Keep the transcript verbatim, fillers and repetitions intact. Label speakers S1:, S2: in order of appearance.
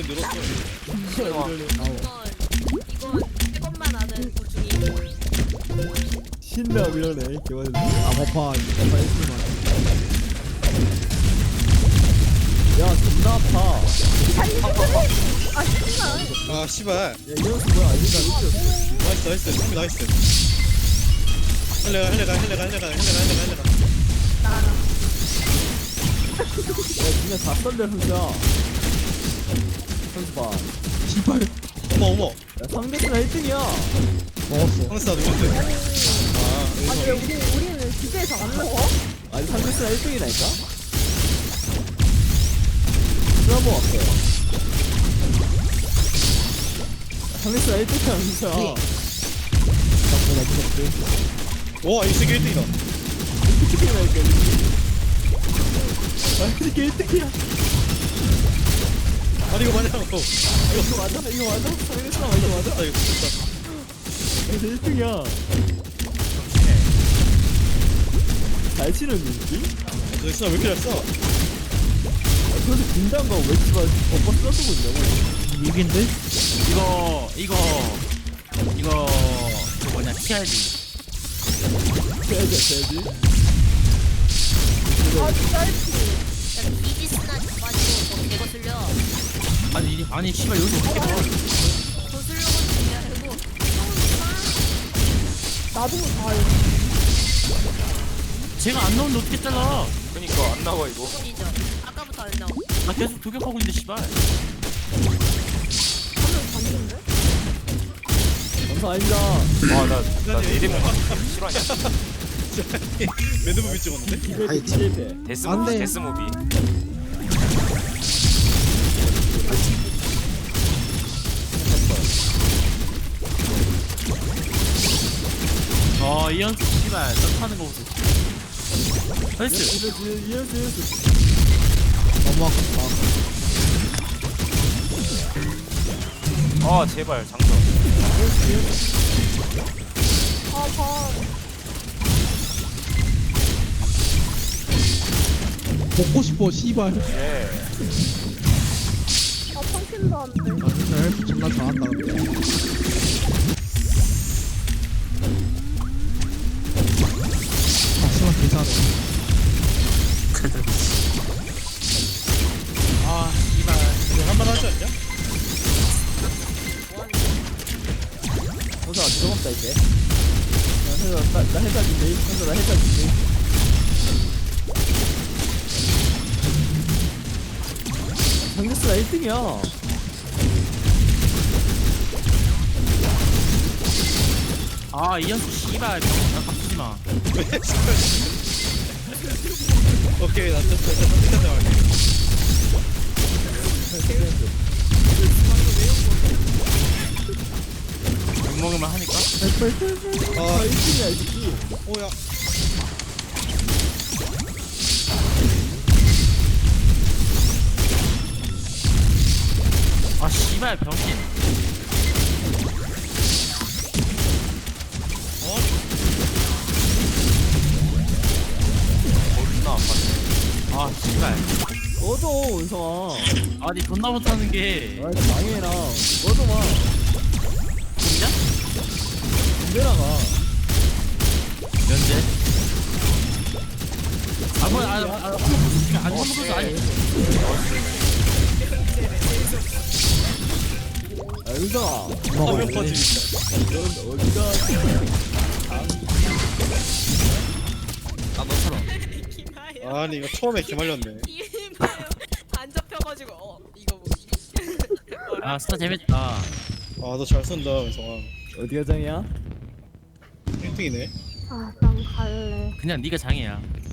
S1: 늘었어.
S2: 이러네. 아우.
S3: 이건 이건 세번만 아는 고충이.
S2: 신나 이러네. 개맞은. 아 버파. 버파 일 분만. 야 존나 아파.
S3: 아 진짜.
S1: 아 씨발.
S2: 야 이현수 뭐야? 이현수 안 웃겨.
S1: 나이스 나이스 준비 나이스. 할래가 할래가 할래가 할래가 할래가 할래가 할래가.
S2: 야 진짜 다 썰려 현수야. 현수 봐.
S4: 씨발
S1: 어머 어머.
S2: 야 상대수가 일 등이야.
S4: 먹었어.
S1: 황스타 누군데? 아
S3: 아니 왜
S1: 여기서.
S3: 우리 우리는 기대에서 안 먹어?
S2: 아니 상대수가 일 등이라니까. 수업은 없어요. 상대수가 일 등이야 현수야. 나보다 무섭지.
S1: 와 이 세계 일 등이다.
S2: 일 등이라니까. 아 이렇게 일 등이야.
S1: 아니 이거 맞냐고. 이거
S2: 이거 맞아? 이거 맞아? 상대수가 맞아 맞아?
S1: 아 이거 진짜.
S2: 근데 일 등이야. 잘 치는 느낌?
S1: 너 진짜 왜 이렇게 잘 써?
S2: 그런데 긴장감 왜 이렇게 엎어 쓰러지고 있냐고.
S4: 이긴데?
S5: 이거 이거 이거 그 뭐냐 피해야지.
S2: 해야지 해야지.
S3: 아 진짜 알지. 야 이지스나 가지고 너 개거 쓸려.
S5: 아니 이- 아니 씨발 여기서 어떻게 봐?
S3: 더 쓸려가지고 그게 아니고. 나도 다 알지.
S5: 제가 안 나오는데 어떻게 잘라?
S6: 그니까 안 나와 이거.
S3: 이죠. 아까부터 안 나오.
S5: 나 계속 도격하고 있는데 씨발.
S3: 한명 봤는데?
S2: 감사 아닙니다.
S6: 아나나 이름이 실화냐?
S1: 매드무비 찍었는데?
S2: 기대 기대.
S6: 데스
S4: 안
S6: 무비
S4: 돼.
S6: 데스 무비.
S5: 어 이현수 씨발 점프하는 거 보소. 나이스.
S2: 이현수 이현수 이현수.
S4: 너무 아깝다.
S6: 아 제발 장전.
S3: 아 봐.
S4: 먹고 싶어 씨발.
S6: 예.
S3: 아 펑킨도 안 돼.
S4: 아 진짜 헬프 존나 잘한다 근데. 아 씨발 괜찮아.
S5: 아 씨발.
S1: 이거 한번 하지 않냐?
S2: 현수 안 들어갔다 이제. 나 해자 나, 나 해자 준비. 현수 나 해자 준비. 상대수가 일 등이야.
S5: 아 이현수 씨발 나 바꾸지 마.
S1: 오케이 나 됐어. 나 선택한 장 할게.
S5: 욕 먹으면 하니까.
S2: 아 일 등이야 이 새끼.
S1: 오야.
S5: 아 씨발 병신.
S1: 어?
S6: 어디나 안 맞네.
S5: 아 씨발.
S2: 꺼져 은성아.
S5: 아니 존나 못하는 게.
S2: 아 이거 망해라. 꺼져 마.
S5: 진짜?
S2: 군대 나가.
S5: 면제. 아 뭐, 아, 아, 아, 한 번 보여줄게. 아니, 한 번 보여줘. 아니.
S2: 아 은성아.
S1: 화면 퍼즐.
S2: 넌 어디가?
S5: 아 너처럼.
S3: 기마야.
S1: 아니 이거 처음에 개말렸네.
S3: 기마야. 안 잡혀가지고 어 이거 뭐지?
S5: 아 스타 재밌다.
S1: 아 너 잘 쏜다 은성아.
S2: 어디가 장이야?
S1: 일 등이네.
S3: 아난 갈래.
S5: 그냥 네가 장이야.